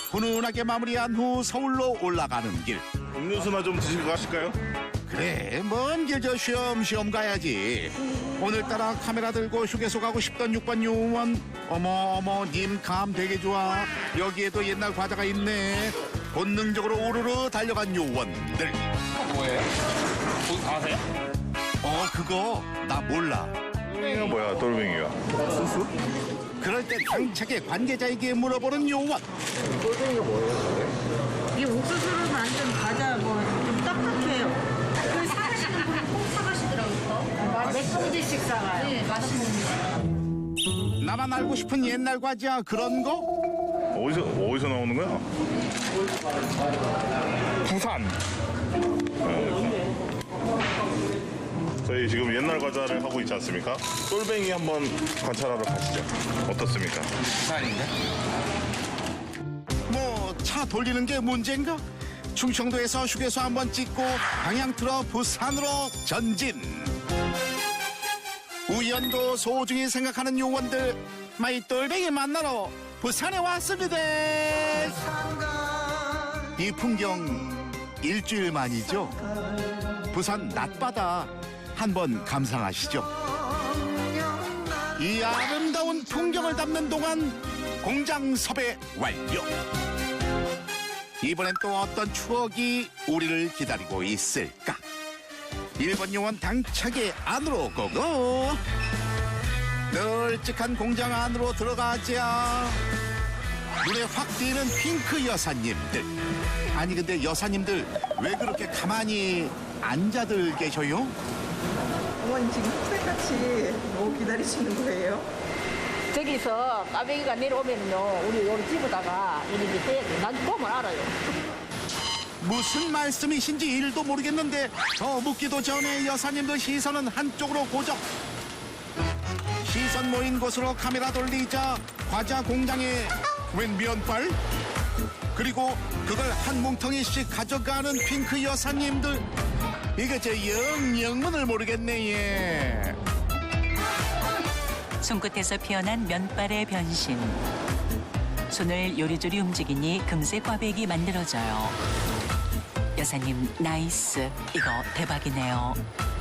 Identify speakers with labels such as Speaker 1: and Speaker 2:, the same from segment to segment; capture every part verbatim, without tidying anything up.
Speaker 1: 훈훈하게 마무리한 후 서울로 올라가는 길.
Speaker 2: 음료수나 좀 드시고 가실까요?
Speaker 1: 그래, 먼 길 저 쉬엄쉬엄 가야지. 오늘따라 카메라 들고 휴게소 가고 싶던 육 번 요원. 어머 어머 님 감 되게 좋아. 여기에도 옛날 과자가 있네. 본능적으로 우르르 달려간 요원들.
Speaker 3: 뭐예요? 거기 가세요?
Speaker 1: 어 그거 나 몰라.
Speaker 2: 이거 뭐야, 돌멩이가. 소스?
Speaker 1: 그럴 때 당차게 관계자에게 물어보는 요원.
Speaker 4: 이 옥수수를 만든 과자 뭐 좀 딱딱해요.
Speaker 5: 그 사가시는 분은 꼭 사가시더라고요.
Speaker 4: 몇 봉지씩 사가요.
Speaker 5: 네, 맛있는
Speaker 1: 나만 알고 싶은 옛날 과자 그런 거?
Speaker 2: 어디서, 어디서 나오는 거야? 부산. 네. 저희 지금 옛날 과자를 하고 있지 않습니까? 똘뱅이 한번 관찰하러 가시죠. 어떻습니까?
Speaker 3: 부산인데?
Speaker 1: 뭐 차 돌리는 게 문제인가? 충청도에서 휴게소 한번 찍고 방향 틀어 부산으로 전진. 우연도 소중히 생각하는 요원들 마이 똘뱅이 만나러 부산에 왔습니다. 이 풍경 일주일 만이죠. 부산 낮바다 한번 감상하시죠. 이 아름다운 풍경을 담는 동안 공장 섭외 완료. 이번엔 또 어떤 추억이 우리를 기다리고 있을까? 일본 요원 당차게 안으로 고고. 널찍한 공장 안으로 들어가자. 눈에 확 띄는 핑크 여사님들. 아니 근데 여사님들 왜 그렇게 가만히 앉아들 계셔요?
Speaker 6: 어머니 지금 학생같이 너무 기다리시는 거예요?
Speaker 7: 저기서 까베기가 내려오면요, 우리 여기 집에다가 이렇게 해야 돼. 난 보면 알아요.
Speaker 1: 무슨 말씀이신지 일도 모르겠는데 더 묻기도 전에 여사님들 시선은 한쪽으로 고정. 시선 모인 곳으로 카메라 돌리자 과자 공장에 웬 면발? 그리고 그걸 한 뭉텅이씩 가져가는 핑크 여사님들. 이거 저 영영문을 모르겠네 예.
Speaker 8: 손끝에서 피어난 면발의 변신. 손을 요리조리 움직이니 금세 꽈배기 만들어져요. 여사님 나이스. 이거 대박이네요.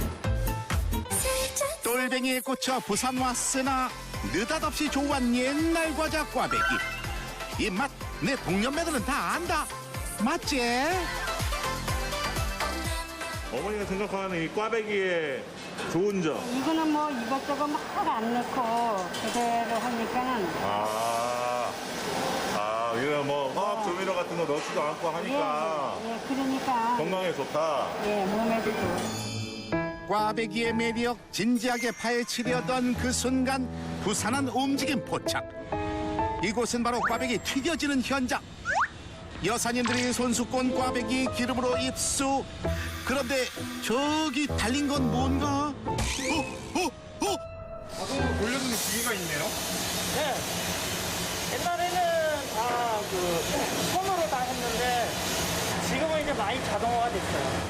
Speaker 1: 똘뱅이에 꽂혀 부산 왔으나 느닷없이 좋아한 옛날 과자 꽈배기. 이 맛 내 동년배들은 다 안다. 맞지?
Speaker 2: 어머니가 생각하는 이 꽈배기의 좋은 점.
Speaker 4: 이거는 뭐 이것저것 막 안 넣고 그대로 하니까는
Speaker 2: 아, 아, 이거 뭐 화학 조미료 같은 거 넣지도 않고 하니까
Speaker 4: 예, 예, 그러니까
Speaker 2: 건강에 좋다.
Speaker 4: 예, 몸에도 좋고.
Speaker 1: 꽈배기의 매력 진지하게 파헤치려던 그 순간 부산한 움직임 포착. 이곳은 바로 꽈배기 튀겨지는 현장. 여사님들이 손수 꼰 꽈배기 기름으로 입수. 그런데 저기 달린 건 뭔가? 어? 어? 어?
Speaker 3: 자동으로 돌려주는 기계가 있네요?
Speaker 7: 네. 옛날에는 다 그 손으로 다 했는데 지금은 이제 많이 자동화가 됐어요.